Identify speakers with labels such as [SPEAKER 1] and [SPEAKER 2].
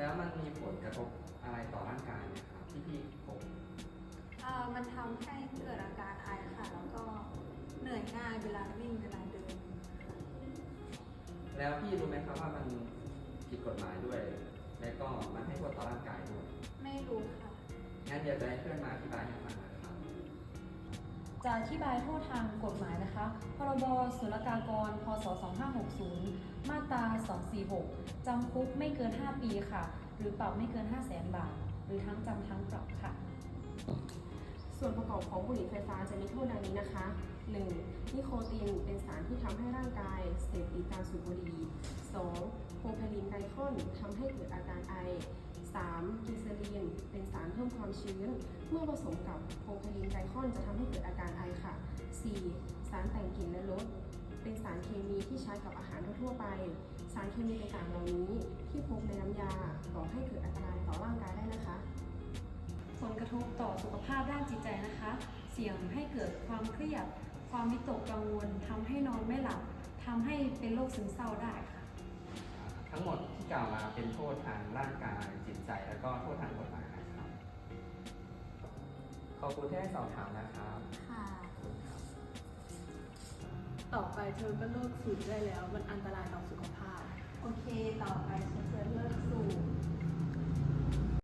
[SPEAKER 1] แล้วมันมีผลกระทบอะไรต่อร่างกายไหมครับที่พี่พบ
[SPEAKER 2] มันทำให้เกิดอาการไอค่ะ แล้วก็เหนื่อยง่ายเวลาวิ่งเวลาเดินค่ะ
[SPEAKER 1] แล้วพี่รู้ไหมครับว่ามันผิดกฎหมายด้วย และก็มันให้โทษต่อร่างกายด้วย
[SPEAKER 2] ไม่รู้ค่ะ
[SPEAKER 1] งั้นเดี๋ยวจะให้เพื่อนมาอธิบายให้ฟังนะครับ
[SPEAKER 3] จะอธิบายโทษทางกฎหมายนะคะ พรบศุลกากร พศ 2560 มาตรา 246 จำคุกไม่เกิน 5 ปีค่ะ หรือปรับไม่เกิน 500,000 บาท หรือทั้งจำทั้งปรับค่ะ
[SPEAKER 4] ส่วนประกอบของบุหรี่ไฟฟ้าจะมีโทษดังนี้นะคะ 1. นิโคตินเป็นสารที่ทำให้ร่างกายเสพติดการสูบบุหรี่ 2. โพรพาลีนไกลคอนทำให้เกิดอาการไอ 3. กินเซลีนเป็นสารเพิ่มความชื้น เมื่อผสมกับโพรพาลีนไกลคอนจะทำให้เกิดอาการไอค่ะ 4. สารแต่งกลิ่นและรสเป็นสารเคมีที่ใช้กับอาหารทั่วไป สารเคมีต่างๆเหล่านี้ที่พบในน้ำยาก่อให้เกิดอันตรายต่อร่างกายได้นะคะ
[SPEAKER 3] ผลกระทบต่อสุขภาพด้านจิตใจนะคะ เสี่ยงให้เกิดความเครียด ความวิตกกังวลทำให้นอนไม่หลับทำให้เป็นโรคซึมเศร้าได้ค่ะ
[SPEAKER 1] ทั้งหมดที่กล่าวมาเป็นโทษทางร่างกายจิตใจแล้วก็โทษทางกฎหมายนะครับ ขอบคุณที่ให้สอบถามนะครับ
[SPEAKER 2] ค่ะ
[SPEAKER 1] ขอบคุณครับ
[SPEAKER 5] ต่อไปเธอก็เลิกสูบได้แล้ว มันอันตรายต่อสุขภาพ
[SPEAKER 2] โอเค ต่อไปฉันจะเลิกสูบ